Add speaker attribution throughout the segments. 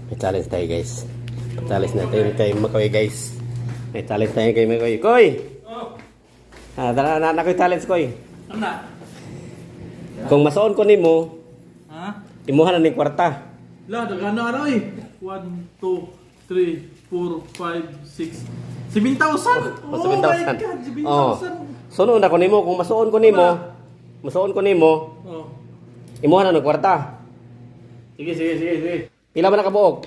Speaker 1: May challenge tayo guys. Challenge natin kay Makoy guys. May challenge tayo kay Makoy. Koy!
Speaker 2: Oh,
Speaker 1: Tara na koy challenge koy.
Speaker 2: ano na?
Speaker 1: Kung masoon ko nimo,
Speaker 2: Ha?
Speaker 1: imuha na ning kwarta.
Speaker 2: La, ano eh? 1, 2, 3, 4, 5, 6, 7,000!
Speaker 1: O,
Speaker 2: Oh my
Speaker 1: 7,000.
Speaker 2: God, 7,000!
Speaker 1: Oh. Sunod na ko nimo kung masoon ko nimo,
Speaker 2: Oh.
Speaker 1: imuha na ning kwarta.
Speaker 2: Sige.
Speaker 1: Pila ba nakabuok?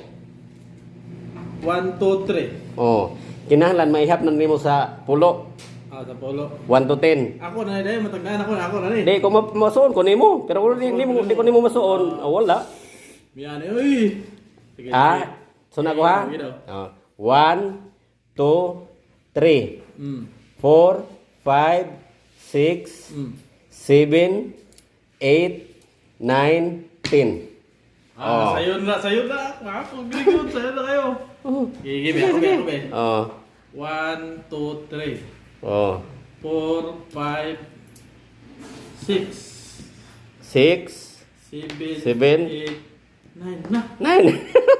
Speaker 2: 1, 2, 3.
Speaker 1: Oh. Kinahanglan maihap na nimo sa pulo.
Speaker 2: Ah, sa polo.
Speaker 1: 1 to 10.
Speaker 2: Ako na dahil matagdaan ako na rin.
Speaker 1: Di ko masoon ko nimo, pero kung di ko nimo masoon, wala.
Speaker 2: Miyan eh, uy! Sige,
Speaker 1: Ah, sunod ko ha?
Speaker 2: Sige daw.
Speaker 1: 1, 2, 3,
Speaker 2: Mm.
Speaker 1: 4, 5, 6,
Speaker 2: Mm.
Speaker 1: 7, 8, 9, 10. Oh.
Speaker 2: Sayo na. Ako, biligod, sayo na kayo. Sige, ako be.
Speaker 1: Oh.
Speaker 2: 1, 2, 3.
Speaker 1: Oh.
Speaker 2: 4, 5, 6,
Speaker 1: 6,
Speaker 2: 7,
Speaker 1: 7,
Speaker 2: 8, 9 na.
Speaker 1: 9.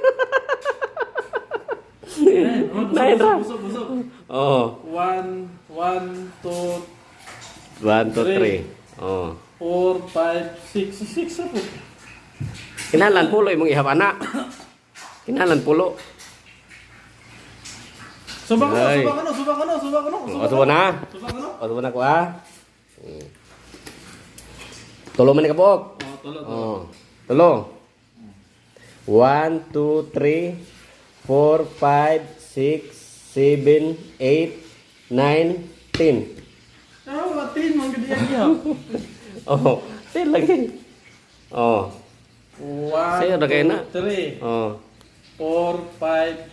Speaker 1: 9 ra.
Speaker 2: Busog.
Speaker 1: Oh.
Speaker 2: 1, 2,
Speaker 1: 1, 2, 3. Oh.
Speaker 2: 4, 5, 6. 6 ako.
Speaker 1: Kinalan pulo imong ihap ana. Kinalan pulo.
Speaker 2: Subak
Speaker 1: Ay.
Speaker 2: ko no.
Speaker 1: O subo na.
Speaker 2: Subak ko no.
Speaker 1: O subo na ko ha. Tulo man ni kabuok.
Speaker 2: Oh, tolo.
Speaker 1: Oh. Tulo. 1, 2, 3, 4, 5, 6, 7, 8, 9, 10.
Speaker 2: Ah, matin man gid yan.
Speaker 1: Oh, sila lagi. Oh.
Speaker 2: 1,
Speaker 1: Sayo na kayo na.
Speaker 2: 3,
Speaker 1: Oh.
Speaker 2: 4, 5,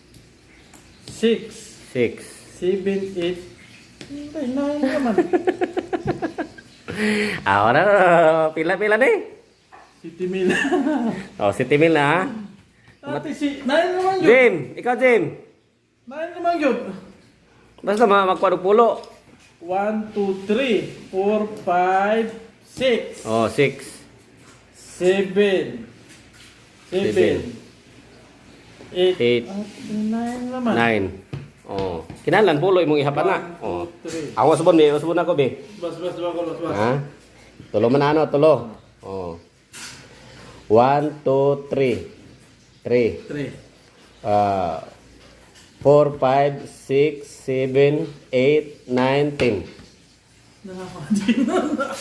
Speaker 2: 6,
Speaker 1: 6.
Speaker 2: 7, 8. Ay, 9 naman.
Speaker 1: Ahora pila-pila ni.
Speaker 2: City Mill.
Speaker 1: Oh, si Timil na ha.
Speaker 2: Ate si 9 naman yun.
Speaker 1: Jim, ikaw Jim.
Speaker 2: 9 naman yun.
Speaker 1: Basta magkwadog pulo.
Speaker 2: 1, 2, 3, 4, 5, 6,
Speaker 1: Oh, 6.
Speaker 2: 7, 8,
Speaker 1: 8,
Speaker 2: 9 naman.
Speaker 1: 9. Oh. Kinalan pulo imong ihapan na. Oh.
Speaker 2: 1, 2, 3.
Speaker 1: Awas subon be, subon ako be.
Speaker 2: Bas.
Speaker 1: Ha? Tulo man ano, tulo. Oh. 1, 2, 3. 3.
Speaker 2: 3.
Speaker 1: 4, 5, 6, 7, 8, 9, 10.
Speaker 2: Nakakadin na.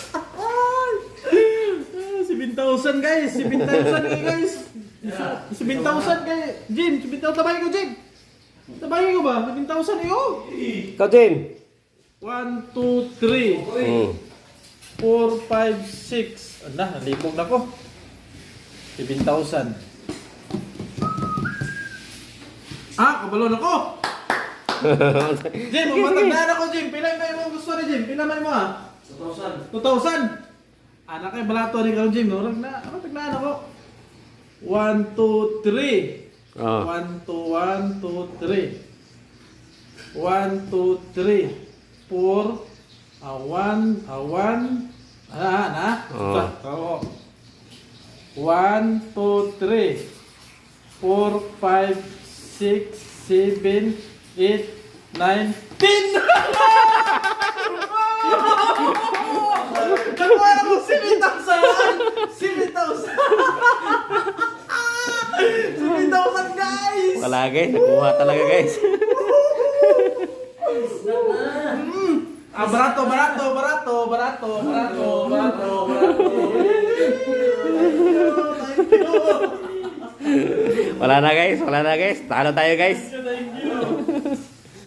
Speaker 2: 7,000 guys. 7,000 guys. 7,000 kay Jim. 7,000 tabay ko Jim. Tabay ko ba? 7,000 iyo.
Speaker 1: Ikaw Jim.
Speaker 2: 1, 2, 3, 4, 5, 6. Ala, nalibog na ko. 7,000. Ah, kabalon ako. Jim, matandaan ako Jim. Pila may mo gusto ni Jim? Pila may mo ah? 2,000. 2,000. Anak kay balato ni Carl Jim. Ano tagnaan ako? 1, 2, 3.
Speaker 1: Oh.
Speaker 2: 1, 2, 3. 1, 2, 3. 4. 1.
Speaker 1: Oh.
Speaker 2: 1, 2, 3. 4, 5, 6, 7, 8, 9, 10! Nakuha na ko 7,000! 7,000! 7,000 guys!
Speaker 1: Wala guys, nakuha talaga guys.
Speaker 2: Barato.
Speaker 1: Wala na guys. Talo tayo guys.
Speaker 2: Thank